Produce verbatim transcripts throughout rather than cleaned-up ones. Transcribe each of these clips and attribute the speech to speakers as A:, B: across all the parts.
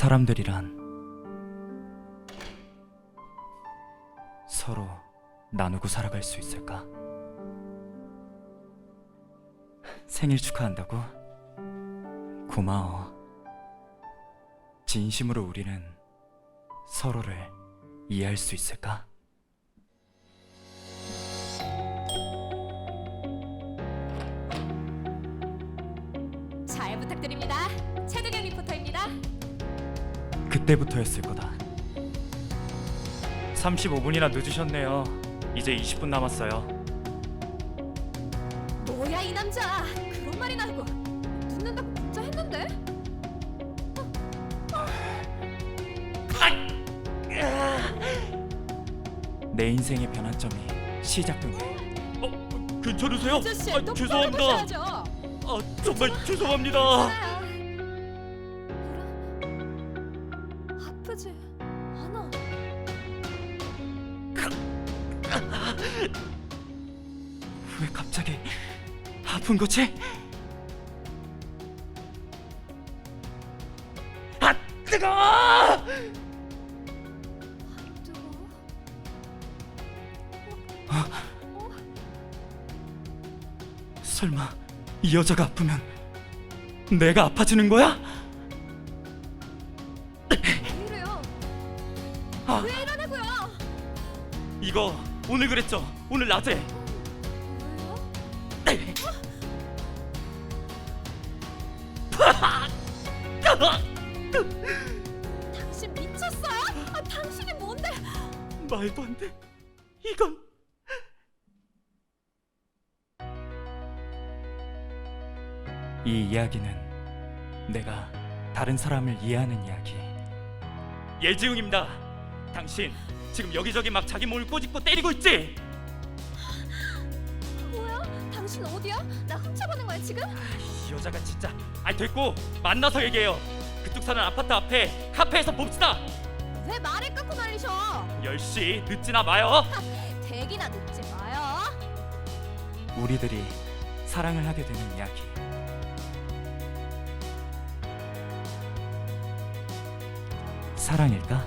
A: 사람들이란 서로 나누고 살아갈 수 있을까? 생일 축하한다고? 고마워. 진심으로 우리는 서로를 이해할 수 있을까?
B: 잘 부탁드립니다. 최두경 리포터입니다.
A: 그때부터였을 거다. 삼십오 분이나 늦으셨네요. 이제 이십 분 남았어요.
B: 뭐야 이 남자, 그런 말이나 하고 늦는다고 문자 했는데?
A: 내 인생의 변환점이 시작됐네. 어, 괜찮으세요?
B: 아저씨
A: 아,
B: 똑바로
A: 죄송합니다.
B: 보셔야죠.
A: 아, 정말 죄송합니다.
B: 하나야. 그래? 아프지 않아.
A: 왜 갑자기 아픈 거지? 아, 뜨거워!
B: 뜨거워?
A: 설마 이 여자가 아프면 내가 아파지는 거야?
B: 왜 이래요?
A: 아,
B: 왜 이러냐고요?
A: 이거 오늘 그랬죠? 오늘 낮에.
B: 왜요? 당신 미쳤어요? 아, 당신이 뭔데?
A: 말도 안 돼. 이건 이 이야기는 내가 다른 사람을 이해하는 이야기. 예지웅입니다. 당신 지금 여기저기 막 자기 몸을 꼬집고 때리고 있지?
B: 뭐야? 당신 어디야? 나 훔쳐보는 거야 지금?
A: 이 여자가 진짜. 아이, 됐고 만나서 얘기해요. 그쪽 사는 아파트 앞에 카페에서 봅시다.
B: 왜 말을 끊고 날리셔?
A: 열 시 늦지나 마요.
B: 대기나 늦지 마요.
A: 우리들이 사랑을 하게 되는 이야기. 사랑일까?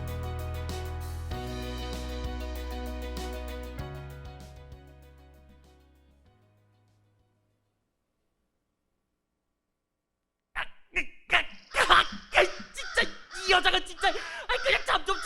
A: 진짜 이 여자가 진짜. 아, 그냥 잠 좀